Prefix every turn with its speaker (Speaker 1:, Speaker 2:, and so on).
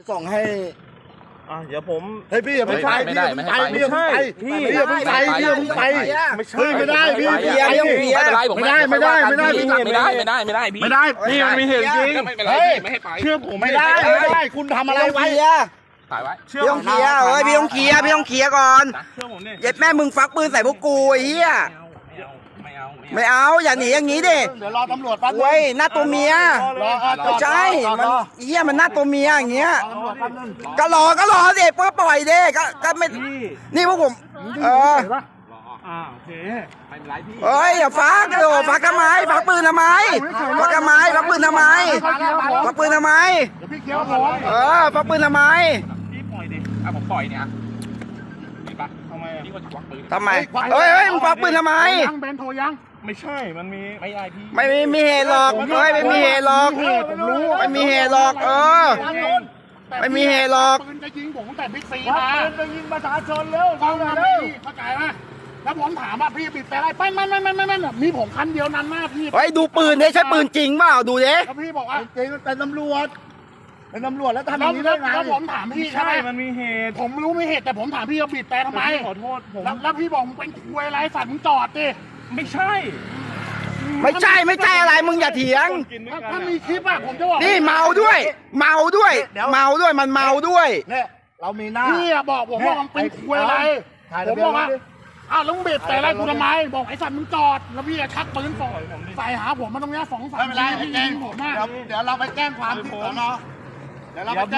Speaker 1: ส่งให้
Speaker 2: เดี๋ยวผม
Speaker 1: เฮ้ยพี่อย่าไปไม่ได้พี่อย่าไปพี่อย่าไปพี่อย่าไปเฮ้ยไม่ได้พี่ไม่ได้ไม่ได้พี่มันมีเหตุจริงไม่ให้ไปเชื่อผมไม่ได้คุณทำอะไรไว้
Speaker 3: ถ่ายไว้
Speaker 4: พี่ต้องเคลียร์พี่ต้องเคลียร์ก่อนเย็ดแม่มึงฟักปืนใส่พวกกูไอ้เหี้ยไม่เอาอย่าหนีอย่างนี้ดิ
Speaker 1: เดี๋ยวรอตำรวจแป๊บนึง
Speaker 4: เว้ยหน้าตัวเมียไม่ใช่มันเหี้ยมันหน้าตัวเมียอย่างเงี้ยก็รอสิเพื่อปล่อยดิก็ไม่นี่พวกผม
Speaker 2: โอเคไม่เป็นไรพี่
Speaker 4: เฮ้ยอย่าฟักฟักทำไมฟักปืนทำไมฟักทำไมฟักปืนทำไมฟักปืนทำไม
Speaker 1: พี่เคี้ยวผม
Speaker 4: ฟักปืนทำไม
Speaker 2: พี่ปล่อยดิผมปล่อยเนี่ยดีปะทำไมพี่ก็ควักปืน
Speaker 4: ทำไมเฮ้ยมึงฟักปืนทำไม
Speaker 1: ยังเบนโทรยัง
Speaker 2: ไม่ใช่มันมีไม่ได้พี่
Speaker 4: ไม่มีเหตุหรอกเฮ้ยไม่มีเหตุหรอก
Speaker 1: ผมรู้
Speaker 4: ไม่มีเหตุหรอกไม่มีเหตุหรอก
Speaker 1: ปืนจะยิงผมแต่บิ๊กซีมาปืนจะยิงประชาชนเร็วเข้าใจไหมแล้วผมถามว่าพี่บีบแต่อะไรไม่มีผมคันเดียวนั้นมากพี่
Speaker 4: เฮ้ยดูปืนดิใช่ปืนจริงเปล่าดูดิ
Speaker 1: แล้วพี่บอกว่าจริงเป็นตำรวจแล้วทำอย่างนี้ได้ไงแล้วผมถามพี่ใช่ไหม
Speaker 2: มันมีเหตุ
Speaker 1: ผมรู้มีเหตุแต่ผมถามพี่ว่าบีบแต่ทำไม
Speaker 2: ขอโทษผม
Speaker 1: แล้วพี่บอกมึงเป็นคุยอะไรสัตว์มึงจอดดิ
Speaker 2: ไม่ใช่
Speaker 4: อะไรมึงอย่าเถียง
Speaker 1: ถ้ามีคลิปอะผมจะบอก
Speaker 4: นี่เมาด้วยมันเมาด้วย
Speaker 1: เนี่ยเรามีหน้าพี่บอกผมว่ามันเป็นคุยอะไรผมบอกว่าแล้วมึงบีบแต่อะไรกูทำไมบอกไอ้สัตว์มึงจอดแล้วพี่ชักปืนใส่หาผมมาตรงนี้2-3 ทีพี่ยิงผมมากเดี๋ยวเราไปแจ้งความที่สน.เดี๋ยวเราไป